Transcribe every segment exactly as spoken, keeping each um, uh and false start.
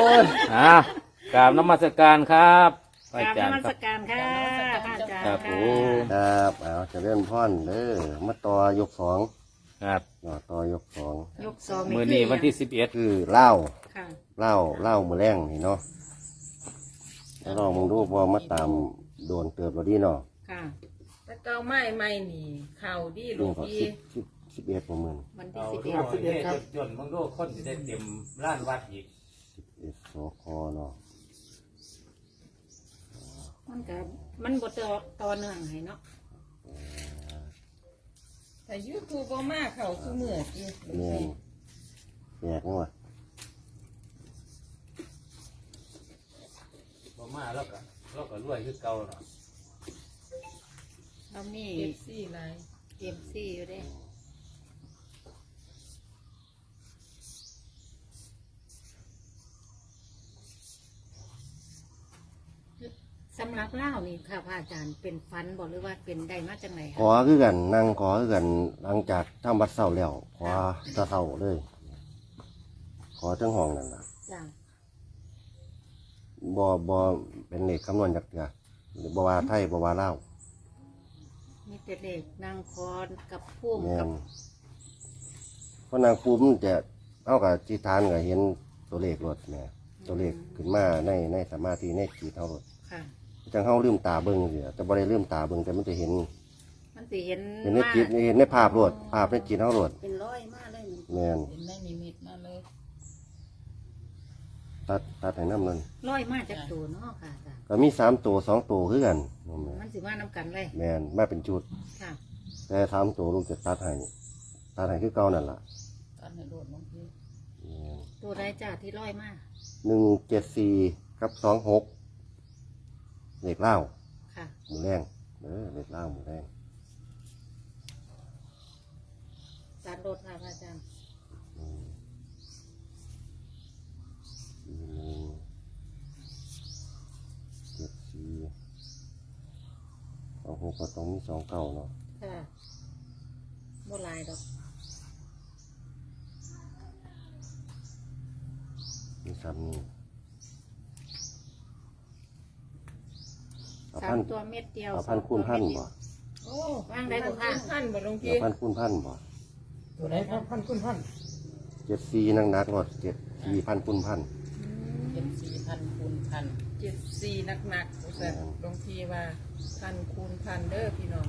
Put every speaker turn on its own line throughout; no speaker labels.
ยอ่ากราบนมัสการครับพ
ก
ระ
รา
อา
บ
จาร
น
ย์
มั
ค
ส
รับ
การค่ะพระอาจารย์
ครับผ
ค่ะ
ม
ครับเอาเจะเลื่อนพ่อนเด้อมาต่อยกสอง
ครับ
ต่อต่อยกสอง
ยกสอง
มือนี้วันที่สิบเอ็ด
คือเหล้า
ค่ะ
เหล้าเหล้ามือแรงนี่เนาะแล้วลองมึงดูพอมาตามโดนเติบเราดีเนาะ
ค่ะ
แต่เก้าไม้ไม้นี่เข่าดีหลว
นี่
ง
ก็
พี่
สิบสิบสิบเอ็ดประมาณ
วัน
เอา
ที่สิบ
ดู
เอ็ด
เอาจนมึงดูคนจะได้เต็มร้านวัดอีก
สิบเอ็ดสคเนาะ
มันก็มันบทต่อเนื่องให้เนาะ
แต่ยูทูบก็มาเข่าคือเมื่อกี้หลวง
แม่น
พี่
แปลกนี่วะ
พอมาแล้วก็แล้วก็รวยคือเก่าเนาะ
เรามี
เอฟซีไร
เอ็มซีอยู่เด้สำหรับเล่านี่ค่ะพระอาจารย์เป็นฟันบอกหรือว่าเป็นได้มาจากไหน
ขอคือกันนั่งขอคือกันหลังจากทำวัดเสาแล้วขอตะเสาเลย ขอทั้งห้องนั่นล่ะ
จ้ะ
บ่บ่เป็นเลขคำนวณจากเถื่อบ่ว่าไทยบ่ว่าลาว
มีแต่เด็กนางคอนกับพุ่ม
แม่
กับ
นเพราะนางปูมันจะเอากับจิตานก็เห็นตัวเลขรถแหม่ตัวเลขขึ้นมาในในสมาธิในจิตเฮารถ
ค่ะ
จังเฮาลืมตาเบิ่งเสียแต่บ่ได้ลืมตาเบิ่งแต่มันจะเห็น
มันสิเห็น
เห็นในจิตเห็นในภาพรถภาพในจิตเฮารถ
เป็นร้อยมากเลยมัน
แม่น
เห็นได้นิมิตมาเลย
ตัดตัดให้น้ำนั่น
ร้อยมากจากตัวเนาะค่ะอาจารย์
ก็มีสามตัวสองตัวคือกันนั่นแหละ
มันสิมาน้ำกันเลย
แม่นมาเป็นชุด
ค่ะ
แต่สามตัวลูกจะตัดให้ตัดให้คือเก่านั่นล่ะ
ตอนให้โดดหลวงพี่
แม่น
ตัวใดจ้าที่ร้อยมาก
หนึ่งเจ็ดสี่กับสองหกเลขเล่า
ค่ะ
หมูแรงเออเลขเล่าหมูแรง
จานโดดค่ะพระอาจารย์
อืมสี่หนึ่งเจ็ดสี่สองหกก็ต้องมีสองเก้าเนาะ
ค่ะโบลายดอก
มีสามนี่เอา
สา
พั
ม
น
ตัวเม็ดเดียว
เอาพันคูณพันบ่
โอ้
ว่างได้บ่ค่ะ
พันบ่หลวง
เอา
พี่
พันคูณพันบ่
ตัวไหนครับพันคุณพัน
เจ็ดสี่นักนักรถเจ็ดสี่พันคูณพัน
เจ็ดสี่พันคูณพันเจ็ดสี่หนักหนักๆแต่หลวงพี่ว่าพันคูณพันเด้อพี่น้อง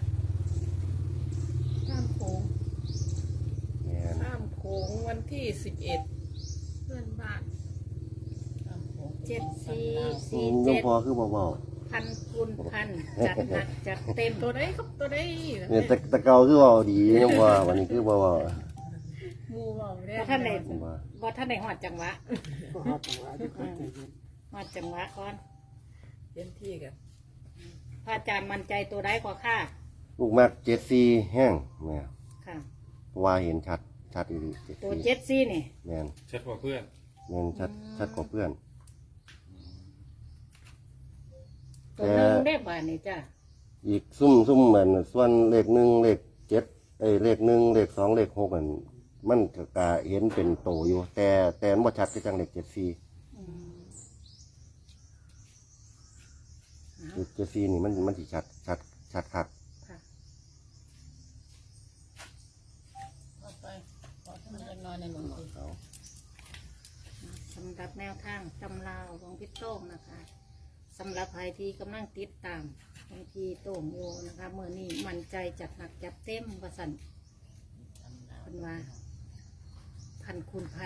ข้ามโค้ง
แม่น
ข้ามโค้งวันที่สิบเอ็ดเพื่อนบ้าน
เจ็ดสี่
อื
สี่
มหลวง
เจ็ด
พ่อคือบ่เบา
พันคูณพันจัดหนักจัดเต็ม
ตัวไหนครับตัวไหน
เนี่ยแต่แต่เก่าคือเบาดียังว่าวันนี้คือบ่เบา
หมูเบาเนี่ย
บ่ท่านไหน
ผมว่า
บ่ท่านไหนหอดจังหวะหอดจังหวะก่อน
เต็มที่กัน
พระอาจารย์มั่นใจตัวใดกว่าค่ะ
ลูกมากเจ็ดสี่แห้งแม่
ค่ะ
เพราะว่าเห็นชัดชัดอีหลีเจ็ด
ตัว
สี่
เจ็ดซี่นี่
แม่น
เช็ดกว่าเพื่อน
แม่นชัดชัดกว่าเพื่อน
ตัวหนึงได้บ่านี่จ้ะ
อีกซุ่มซุ่มเหมือนส่วนเลขหนึ่งเลขเจ็ดเอ้ยเลขหนึ่งเลขสองเลขหกมันมันก็กะเห็นเป็นโตอยู่ แต่แต่มันบ่ชัดก็จังเลขเจ็ดสี่
อืม
เลขเจ็ดสี่นี่มันมันสิชัดชัดชัดคัก
ค่ะ
ต่อไปขอท่านจะนอนในหลวงพี่
เอา
สำหรับแนวทางตำราวของพี่โต้งนะคะสำหรับใครที่กำลังติดตามของพี่โต้งอยู่นะคะเมื่อนี้มั่นใจจัดหนักจัดเต็มประสันเป็นว่า พันคูณพัน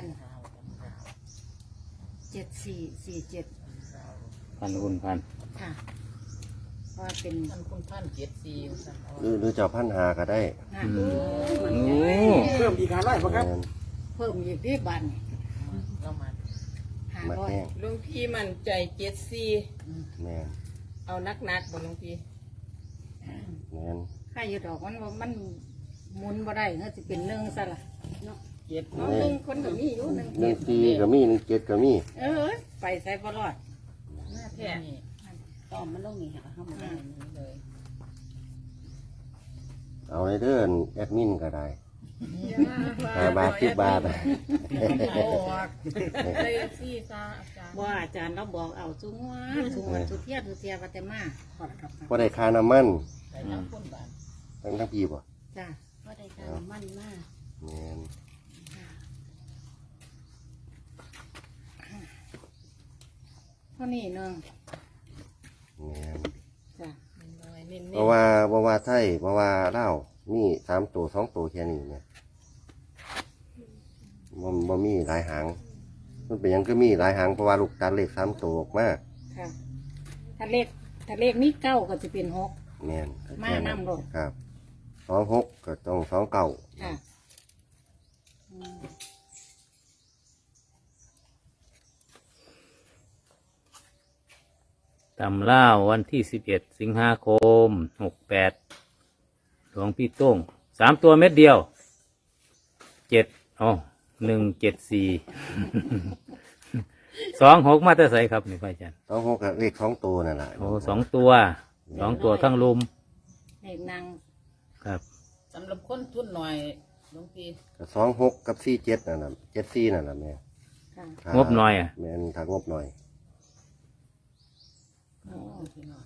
เจ็ดสี่สี่เจ็ด
พันคุณพัน
ค่ะเพราะว่าเป็น
ท่านคุณท่านเจ็ดสี่สั่งเอา
หรือหรือจะเอาพันหาก็ได้
งาน
โอ้
เพิ่มอีกห้าร้อยป่ะครับ
แม่น
เพิ่มอีกที่บัน
เรามา
ห้า
มา
ร้อย
แห้ง
หลวงพี่มั่นใจเจ็ดสี่
แม่น
เอานักนักๆบ่หลวงพี่
แม่น
ค่าอยู่ดอกมันว่ามันหมุนบ่ได้เนาะจะเป็นหนึ่งซะละเนาะ
เจ็ด
เอาหนึ่งคนก็มีอยู่หนึ่ง
หนึ่งสี่ก็มีหนึ่งเจ็ดก็มี
เออไปใส่บ่รอด
หน้าแท้นี่
ตอมมันลงนี่ค่ะเข้ามา
ได้นี้เลย
เอาในเดือนแอดมินก็ได้ห้าบาทสิบบาท
เอาออกเลยซี่ซาอาจารย์
ว่าอาจารย์เราบอกเอาจุงว่าจุงวันสุเทียสุเทียวัตมา
บ่ได้ค่าน้ำมัน
ใส่น้ำข้นบาน
ทั้งทั้งพี่บ่
จ้ะ
ก็ได้การมั่นมาก
แม่น
เท่านี้เนึง
แม่น
จ้ะ
น้อยๆเน้น
เพราะว่าเพราะว่าไทยเพราะว่าลาวมีสามตัวสองตัวแค่นี้เนี่ยบ่บ่มีหลายหาง มันเป็นหยังก็มีหลายหางเพราะว่าลูกตัดเลขสามตัวออกมา
ค่ะถ้าเลขถ้าเลขนี้เก้าก็จะเป็นหก
แม่น
มานำโลด
ครับสองหกก็ต้องสองเก้า
ค่ะอืม
ตำล่าววันที่สิบเอ็ดสิงหาคมหกแปดหลวงพี่โต้งสามตัวเม็ดเดียวเจ็ดอ๋อหนึ่งเจ็ดสี่ สองหกมาแต่ใสครับนี่พ่ออาจารย์
สองหกก็เลขสองตัวนั่นแหละ
โอ้สองตัวสองตัวทั้งลุม
เลขนาง
ครับ
ๆสำหรับคนทุนหน่อยหลวงพี่
ก็สองหกกับสี่เจ็ดนั่นแหละเจ็ดสี่นั่นแหละแม่
ค่ะ
ถ้าง
บน้อยอ่ะ
แม่นถ้างบหน่อย
โอ้พี่น้อง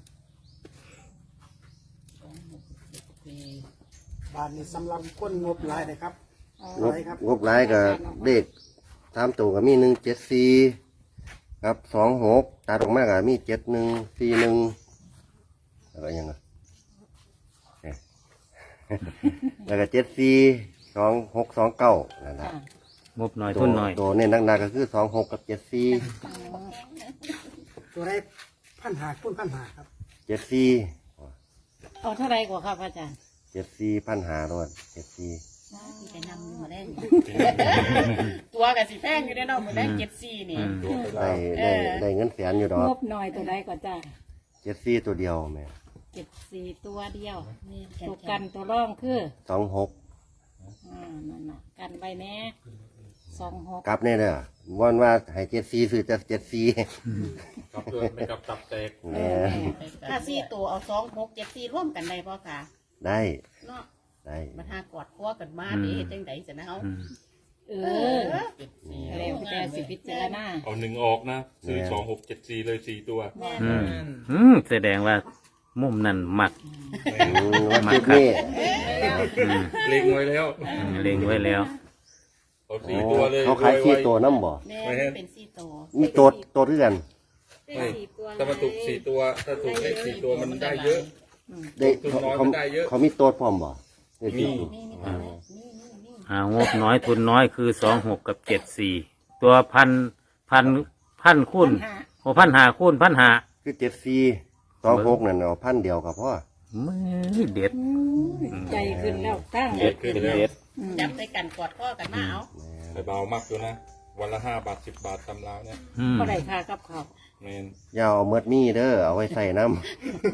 สองหกเจ็ดสี่
บาทนี้สำหรับคนงบหลายเลยครับ
อ๋อ
งบงบหลายก็เลขสามตัวก็มีหนึ่งเจ็ดสี่ครับสองหกตัดออกมาก็มีเจ็ดหนึ่งสี่หนึ่งแล้วก็ยังไง เนี่ย แล้วก็เจ็ดสี่สองหกสองเก้านั่นแหละ
ค่ะ
งบน้อย
ตัว
ทุนน้อย
ตัวเน้นหนักๆก็คือสองหกกับเจ็ดสี่
อ๋อ
ตัวได้พันหาคูณพันหาครับ
เจ็ดสี่
เอาเท่าไรกว่าครับอาจารย์
เจ็ดสี่พันหาโดนเจ็ดสี่
ที่จะนำมาได้
ตัวกับสีแพงอยู่ได้เนาะเหมือนได้เจ็ดสี่นี่
อืม
ได้ได้ได้เงินแสนอยู่ดอก
งบหน่อยตัวใดก็จ้า
เจ็ดสี่ตัวเดียวแม่
เจ็ดสี่ตัวเดียวตัวกันตัวร่องคือ
สองหก
อ่านั่นน่ะกันไปแน่สองหก
กลับเนี่ยเด้อวันว่าให้เจ็ดสี่ซื้อจะเจ็ดสี่
กลับด้วยไม่กลับตับแตก
แหม่
ถ้าสี่ตัวเอาสองหกเจ็ดสี่ร่วมกันได้ป่ะค่ะ
ได้
เนาะ
ได้
มันหากอดคอกันมาเด้จังไดสินะเอา
อืม
เออแล้วแต่สิพิจารณา
เอาหนึ่งออกนะ ซื้อสองหกเจ็ดสี่เลยสี่ตัว
แม่
อืมอืมแสดงว่ามุมนั่นหมัก
อืมวันคลิปนี้
อืม
เล็งไว้แล้ว
อืมเล็งไว้แล้ว
เอาสี่ตัวเลย
เขาขายสี่ตัวน้ำบ่
แม่เป็นสี่ตัว
มีตัวตัวเรื่อน
ไม่ถ้ามาถูกสี่ตัว ถ้าถูกเลขสี่ตัวมันได้เยอะ
ได้
ตัว
เขา
น้อย
เขา
มันได้เยอะ
เขามีตัวพร้อมบ่ได้สี่ตัว
นี่นี่ตัวนี้นี่นี่นี่
หางบน้อยทุนน้อยคือสองหกกับเจ็ดสี่ตัวพันพันพันคูณโอ้พันหาคูณพันหา
คือเจ็ดสี่สองหกนั่นเอาพันเดียวกับพ่อ
มือเด็ด
ใจขึ้นแล้วตั้ง
เด็ดขึ้นเด็ด
จับใส่กันกอดคอกันมาเอา
ไปเบามากอยู่นะ วันละห้าบาทสิบบาทตำราวเนี่ย
อืม
ก็ได้ค่ากับเขาว
เมน
อย่าเอาเมดมีเด้อเอาไว้ใส่น้ำ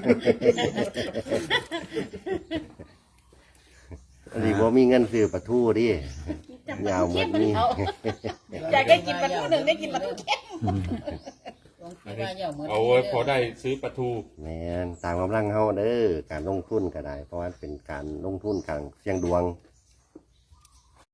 อันนี้ว่ามีเงินซื้อปลาทูดิ
จับ
ยาวเหมือนนี่
เขาอยากได้กินปลาทูหนึ่งได้กินปลาทูเค็ม
หลวงพี่ว่าอย่าเหมือน
เอาไว้พอได้ซื้อปลาทู
แมนตามกำลังเฮาเด้อการลงทุนก็ได้ เพราะว่าเป็นการลงทุนการเสี่ยงดวง